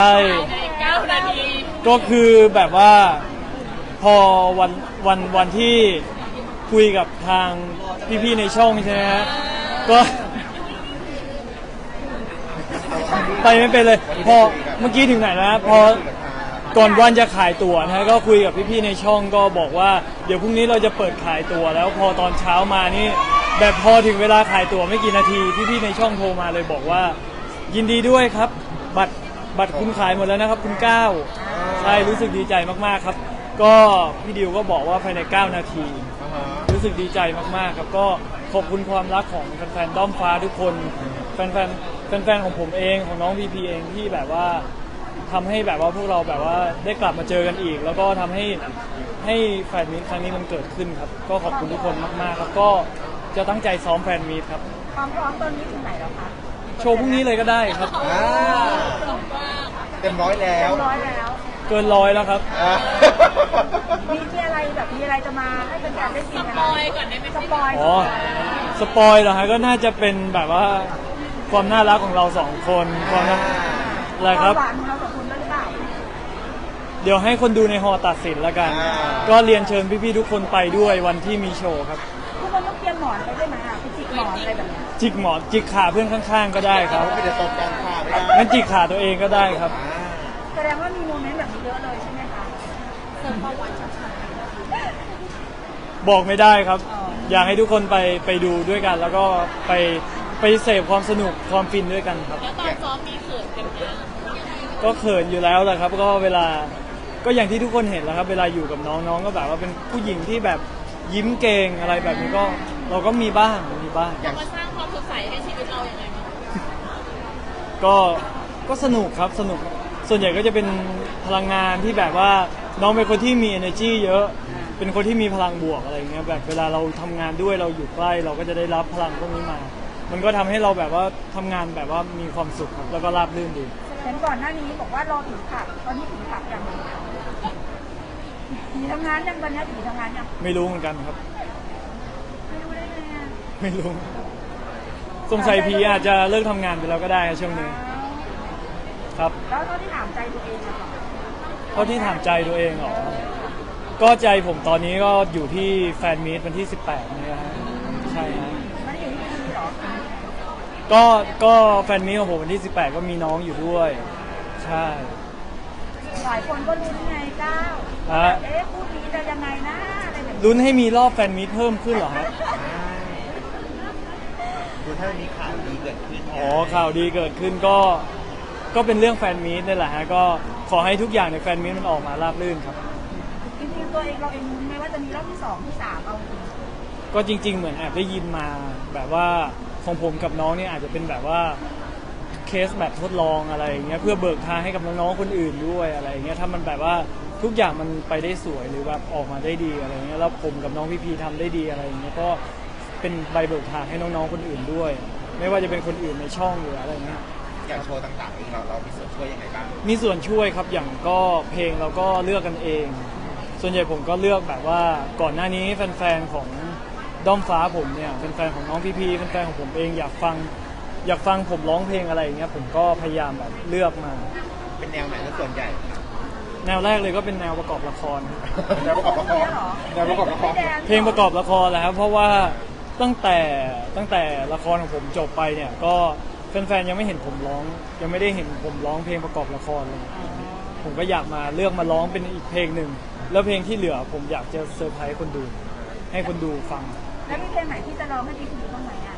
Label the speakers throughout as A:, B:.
A: ใช่
B: 9 นาที
A: ก็คือแบบว่าพอวันที่คุยกับทางพี่ๆในช่องใช่ไหมฮะก็ไปไม่เป็นเลยพอเมื่อกี้ถึงไหนแล้วนะพอก่อนวันจะขายตั๋วนะฮะก็คุยกับพี่ๆในช่องก็บอกว่าเดี๋ยวพรุ่งนี้เราจะเปิดขายตั๋วแล้วพอตอนเช้ามานี่แบบพอถึงเวลาขายตั๋วไม่กี่นาทีพี่ๆในช่องโทรมาเลยบอกว่ายินดีด้วยครับบัตรคุณขายหมดแล้วนะครับคุณก้าวใช่รู้สึกดีใจมากๆครับก็พี่ดิวก็บอกว่าภายใน9 นาทีรู้สึกดีใจมากๆครับก็ขอบคุณความรักของแฟนๆด้อมฟ้าทุกคนแฟนๆของผมเองของน้องพีพีเองที่แบบว่าทำให้แบบว่าพวกเราแบบว่าได้กลับมาเจอกันอีกแล้วก็ทำให้แฟนมีตครั้งนี้มันเกิดขึ้นครับก็ขอบคุณทุกคนมากๆครับก็จะตั้งใจซ้อมแฟนมีตครับ
B: ความพร้อมตอนนี้ถึงไหนแล้วคะ
A: โชว์พรุ่งนี้เลยก็ได้ครับ
C: เต็มร้อยแล้ว
A: เกิน100แล้วครับ
B: มีอะไรแบบมีอะไรจะมาให้เป็นการได้กินกันสปอยก่อนได้ไหมสปอย
A: อ๋อสปอยเหรอฮะก็น่าจะเป็นแบบว่าความน่ารักของเรา2 คนความน่าอะไรครับ
B: หวานของเรา2 คนหรือเปล่า
A: เดี๋ยวให้คนดูในฮอตัดสินแล้วกันก็เรียนเชิญพี่ๆทุกคนไปด้วยวันที่มีโชว์ครับ
B: ทุกคนต้องเตรียมหมอนไปได้ไหมอ่ะไปจิกหมอนอะไรแบบนี้
A: จิกหมอนจิกขาเพื่อนข้างๆก็ได้ครับ
C: ไม่ได้ตบกันค่ะไม่ได้
A: งั้นจิกขาตัวเองก็ได้ครับ
B: แสดงว่ามีโมเมนต์แบบนี้เยอะเลยใช่ไหมคะเสริมความหวานชัด
A: ๆบอกไม่ได้ครับอยากให้ทุกคนไปดูด้วยกันแล้วก็ไปเสพความสนุกความฟินด้วยกันครับ
B: แล้วตอนซ้อมมีเขินกันไหม
A: ก็เขินอยู่แล้วแหละครับก็เวลาก็อย่างที่ทุกคนเห็นแล้วครับเวลาอยู่กับน้องๆก็แบบว่าเป็นผู้หญิงที่แบบยิ้มเก่งอะไรแบบนี้ก็เราก็มีบ้าง
B: มาสร้างความสดใสให้ชีวิตเราอย่างไรบ้าง
A: ก็สนุกครับสนุกส่วนใหญ่ก็จะเป็นพลังงานที่แบบว่าน้องเป็นคนที่มี energy เยอะเป็นคนที่มีพลังบวกอะไรเงี้ยแบบเวลาเราทำงานด้วยเราอยู่ใกล้เราก็จะได้รับพลังพวกนี้มามันก็ทำให้เราแบบว่าทำงานแบบว่ามีความสุขแล้วก็ราบรื่นดี
B: เห็นก่อนหน้านี้บอกว่ารอถึงขับตอนนี้ถึงขับยังผีทำงานยังตอนนี้ผีทำงานยัง
A: ไม่รู้เหมือนกันครับ
B: ไม่รู้ได้ไง
A: ไม่รู้สงสัยผีอาจจะเลิกทำงานไปแล้วก็ได้ช่วงนี้ครับ
B: แล้วเท่าที่ถามใจตัวเองอะ
A: เท่าที่ถามใจตัวเองเหรอก็ใจผมตอนนี้ก็อยู่ที่แฟนมีตวันที่18นี่ฮะใช่ฮะ
B: มันอยู่ที่นี่หรอ
A: ก็แฟนมีตของผมวันที่18ก็มีน้องอยู่ด้วยใช่
B: หลายคนก็ลุ้นไงก้าวพูดนี้จะยังไงนะอะไรแบบนี้
A: ลุ้นให้มีรอบแฟนมีตเพิ่มขึ้นเหรอฮะ
C: ดูถ้ามีข่าวดีเกิดขึ้น
A: อ๋อข่าวดีเกิดขึ้นก็เป็นเรื่องแฟนมีตนี่แหละฮะก็ขอให้ทุกอย่างในแฟนมีตมันออกมาราบรื่นครับ
B: จริงๆตัวเองเราเองไม่ว่าจะมีรอบที่2ที่3เอาจริง
A: ก็จริงๆเหมือนแอบได้ยินมาแบบว่าของผมกับน้องเนี่ยอาจจะเป็นแบบว่าเคสแบบทดลองอะไรอย่างเงี้ยเพื่อเบิกทางให้กับน้องๆคนอื่นด้วยอะไรอย่างเงี้ยถ้ามันแบบว่าทุกอย่างมันไปได้สวยหรือแบบออกมาได้ดีอะไรเงี้ยแล้วผมกับน้องพี่พีทำได้ดีอะไรอย่างเงี้ยก็เป็นใบเบิกทางให้น้องๆคนอื่นด้วยไม่ว่าจะเป็นคนอื่นในช่องหรืออะไรเงี้ย
C: อย่างโชว์ต่างๆเองเรามีส่วนช่วยยังไงบ้าง
A: มีส่วนช่วยครับอย่างก็เพลงเราก็เลือกกันเองส่วนใหญ่ผมก็เลือกแบบว่าก่อนหน้านี้แฟนๆของด้อมฟ้าผมเนี่ยแฟนๆของน้องพีพีแฟนๆของผมเองอยากฟังผมร้องเพลงอะไรอย่างเงี้ยผมก็พยายามแบบเลือกมา
C: เป็นแนวไหนส่วนใหญ่
A: แนวแรกเลยก็เป็นแนวประกอบละคร
C: แนวประกอบละคร
A: เพลงประกอบละครแหละครับเพราะว่าตั้งแต่ละครของผมจบไปเนี่ยก็แฟนๆยังไม่เห็นผมร้องยังไม่ได้เห็นผมร้องเพลงประกอบละครเลยผมก็อยากมาเลือกมาร้องเป็นอีกเพลงหนึ่งแล้วเพลงที่เหลือผมอยากจะเซอร์ไพรส์คนดูให้คนดูฟัง
B: แล้วมีเพลงไหนที่จะร้องให้ดีคุณดูบ้างไหมอ่ะ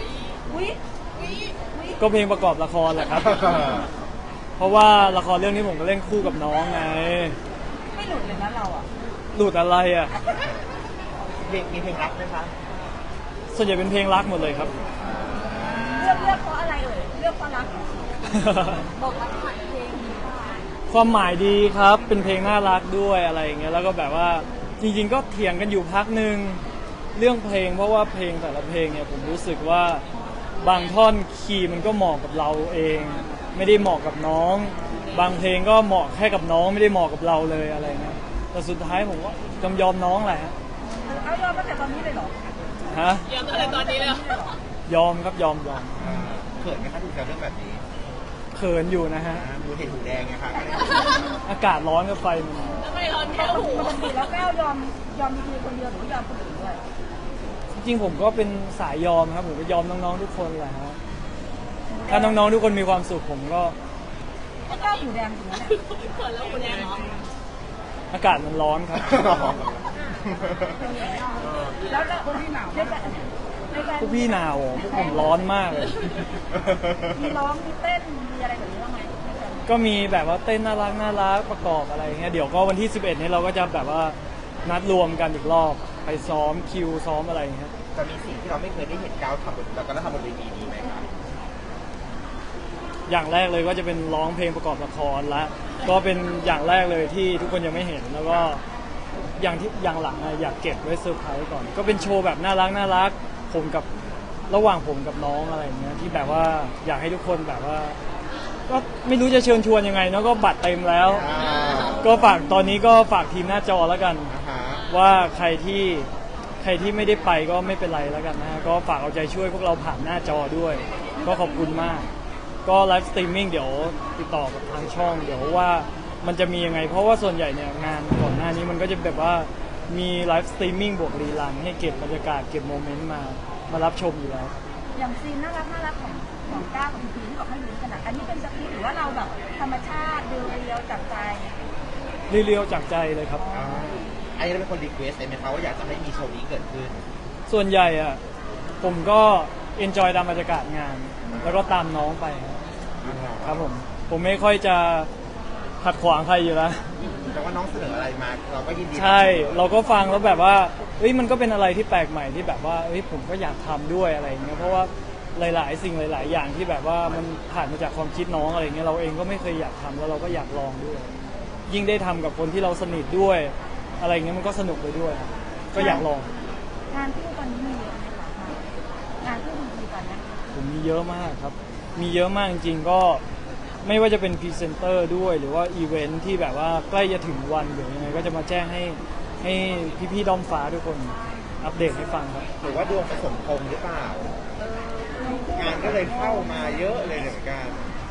A: ก็เพลงประกอบละครแหละครับเพราะว่าละครเรื่องนี้ผมก็เล่นคู่กับน้องไง
B: ไม่หลุดเลยนะเราอ่ะ
A: หลุดอะไรอ่ะ
C: มีเพลงรักไหมคะ
A: ส่วนใหญ่เป็นเพลงรักหมดเลยครับ
B: เลือกเพราะอะไรเลือกเพราะรักบอกรักผ่านเพลง
A: ความหมายดีครับเป็นเพลงน่ารักด้วยอะไรอย่างเงี้ยแล้วก็แบบว่าจริงๆก็เถียงกันอยู่พักนึงเรื่องเพลงเพราะว่าเพลงแต่ละเพลงเนี่ยผมรู้สึกว่าบางท่อนคีย์มันก็เหมาะกับเราเองไม่ได้เหมาะกับน้องบางเพลงก็เหมาะแค่กับน้องไม่ได้เหมาะกับเราเลยอะไรเงี้ยแต่สุดท้ายผมก็ยอมน้องแหละ
B: เอายอมตั้งแต่ตอนนี้เลยเหรอ
A: ฮะ
B: ยอมตั้งแต่ตอนนี้เลย
A: ยอมครับยอม
C: เขินไหมคะถูกกับเรื่องแบบนี้
A: เขินอยู่นะฮะ
C: ดูเห็นหูแดงไงคะ
A: อากาศร้อนกับไฟมัน
B: ปกติแล้วก้าวยอมมีคือคนเดียวหรือยอมคนอื่นด้วย
A: จริงๆผมก็เป็นสายยอมครับผมก็ยอมน้องๆทุกคนแหละฮะถ้าน้องๆทุกคนมีความสุขผมก็
B: ถ้าก้าวหูแดงถึงนั้นแหละ
A: อากาศมันร้อนครับ
B: แล้วคนที่หนาวในการ
A: พวกพี่หนาวพวกผมร้อนมากเลย
B: มีร้องมีเต้นมีอะไรแบบนี้บ้างไหม
A: ก็มีแบบว่าเต้นน่ารักประกอบอะไรอย่างเงี้ยเดี๋ยวก็วันที่ 11 นี้เราก็จะแบบว่านัดรวมกันอีกรอบไปซ้อมคิวซ้อมอะไรอย่างเงี้ย
C: จะมีสิ่งที่เราไม่เคยได้เห็นก้าวทำแล้วก็ทำบนเวทีนี้ไหมครับ
A: อย่างแรกเลยก็จะเป็นร้องเพลงประกอบละครละก็เป็นอย่างแรกเลยที่ทุกคนยังไม่เห็นแล้วก็อย่างหลังอะอยากเก็บไว้เซอร์ไพรส์ก่อน ก็เป็นโชว์แบบน่ารักผมกับระหว่างผมกับน้องอะไรอย่างเงี้ยที่แบบว่าอยากให้ทุกคนแบบว่า ก็ไม่รู้จะเชิญชวนยังไงเนาะก็บัตรเต็มแล้ว ก็ฝากตอนนี้ก็ฝากทีมหน้าจอแล้วกัน ว่าใครที่ไม่ได้ไปก็ไม่เป็นไรแล้วกันนะฮะก็ฝากเอาใจช่วยพวกเราผ่านหน้าจอด้วย ก็ขอบคุณมาก ก็ไลฟ์สตรีมมิ่งเดี๋ยวติดต่อกับทางช่องเดี๋ยวว่ามันจะมียังไง เพราะว่าส่วนใหญ่เนี่ยงานก่อนหน้านี้มันก็จะแบบว่ามีไลฟ์สตรีมมิ่งบวกรีลันให้เก็บบรรยากาศเก็บโมเมนต์มารับชมอยู่แล้ว
B: อย่างซีนน่ารักของก้าวกับพีที่บอกให้รู้ขนาดอันนี้เป็นสคริปต์หรือว่าเราแบบธรรมชาติเรียวๆจากใจ
A: เรียวๆจากใจเลยครับ
C: อันนี้เราเป็นคนรีเควสต์ไหมคะว่าอยากจะให้มีโชว์นี้เกิดขึ้น
A: ส่วนใหญ่อะผมก็เอนจอยตามบรรยากาศงาน แล้วก็ตามน้องไปครับผมไม่ค่อยจะขัดขวางใครอยู่แล้ว
C: แต่ว่าน้องเสนออะไรมาเราก็ยินดี
A: ใช่เราก็ฟังแล้วแบบว่าเฮ้ยมันก็เป็นอะไรที่แปลกใหม่ที่แบบว่าเฮ้ยผมก็อยากทำด้วยอะไรอย่างเงี้ยเพราะว่าหลายๆสิ่งหลาย ๆ อย่างที่แบบว่ามันผ่านมาจากความคิดน้องอะไรเงี้ยเราเองก็ไม่เคยอยากทำแล้วเราก็อยากลองด้วย ยิ่งได้ทำกับคนที่เราสนิทด้วย อะไรเงี้ยมันก็สนุกไปด้วย ก็อยากลอง
B: งานคู่ตอนนี้มีเยอะไหมคะงานคู่ดีๆตอนนี้
A: ผมมีเยอะมากครับ มีเยอะมากจริงๆก็ไม่ว่าจะเป็นพรีเซนเตอร์ด้วยหรือว่าอีเวนท์ที่แบบว่าใกล้จะถึงวันหรือยังไงก็จะมาแจ้งให้พี่ๆด้อมฟ้าทุกคนอัปเดตให้ฟังครับ
C: หรือว่าดวงผสมพงษ์หรือเปล่า งานก็เลยเข้ามาเยอะเลยเหมือนกัน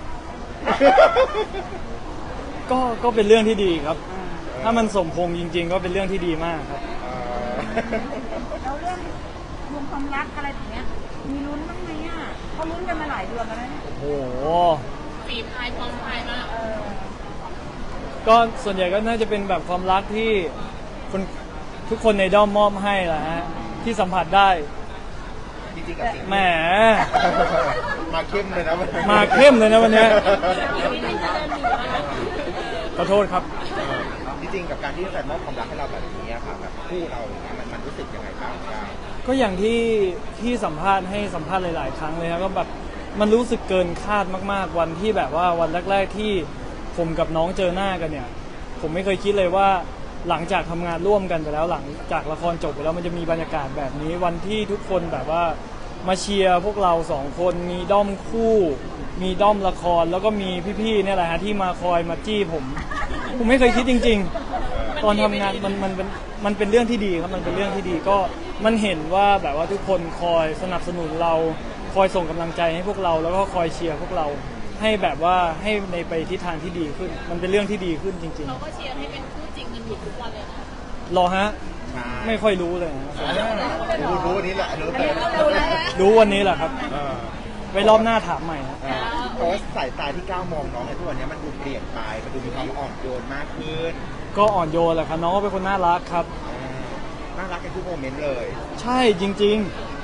A: ก็เป็นเรื่องที่ดีครับ ถ้ามันสมพงษ์จริง ๆ ก็เป็นเรื่องที่ดีมากครับ
B: แล้วเรื่องรวมความรักอะไรแบบเนี้ยมีลุ้นบ้างไหมอ่ะเขาลุ้นกันมาหลายเดือนแล้วนะเนี่ย
A: โอ้โห
D: ฝีพายพร้อมพายมาก
A: ก็ส่วนใหญ่ก็น่าจะเป็นแบบความรักที่คนทุกคนในด้อมมอบให้แหละฮะที่สัมผัสได้
C: จริงๆกับสิ่ง
A: แหม
C: มาเข้มเลยนะวันนี้
A: มาเข้มเลยนะวันเนี้ย ขอโทษครับ
C: จริงๆกับการที่แฟนมอบความรักให้เราแบบนี้อะค่ะแบบคู่เราอย่างเงี้ยมันรู้สึกยังไงบ้างก้าว
A: ก็อย่างที่สัมภาษณ์ให้สัมภาษณ์หลาย ๆ ครั้งเลยครับก็แบบมันรู้สึกเกินคาดมาก ๆ วันที่แบบว่าวันแรก ๆ ที่ผมกับน้องเจอหน้ากันเนี่ย ผมไม่เคยคิดเลยว่าหลังจากทำงานร่วมกันไปแล้วหลังจากละครจบไปแล้วมันจะมีบรรยากาศแบบนี้วันที่ทุกคนแบบว่ามาเชียร์พวกเราสองคนมีด้อมคู่ มีด้อมละครแล้วก็มีพี่ๆเนี่ยแหละฮะที่มาคอยมาจี้ผมไม่เคยคิดจริง ๆ ตอนทำงานมันเป็นเรื่องที่ดีครับมันเป็นเรื่องที่ดีก็มันเห็นว่าแบบว่าทุกคนคอยสนับสนุนเราคอยส่งกำลังใจให้พวกเราแล้วก็คอยเชียร์พวกเราให้แบบว่าให้ในไปทิศทางที่ดีขึ้น มันเป็นเรื่องที่ดีขึ้นจริง
D: เขาก็เชียร์ให้เป็นคู่จริงกันอยู่ทุกวันเลยนะ
A: ๆรอฮะไม่ค่อยรู้เลยนะ
C: รู้อันนี้แหละรู้เลย
A: รู้วันนี้แหละครับไว้รอบหน้าถามใหม่นะ
C: เพราะว่าสายตาที่ก้าวมองน้องในทุกวันนี้มันดูเปลี่ยนไปมันดูมีความอ่อนโยนมากขึ้น
A: ก็อ่อนโยนแหละครับน้องก็เป็นคนน่ารักครับ
C: น่ารักในทุกโมเมนต์เลย
A: ใช่จริง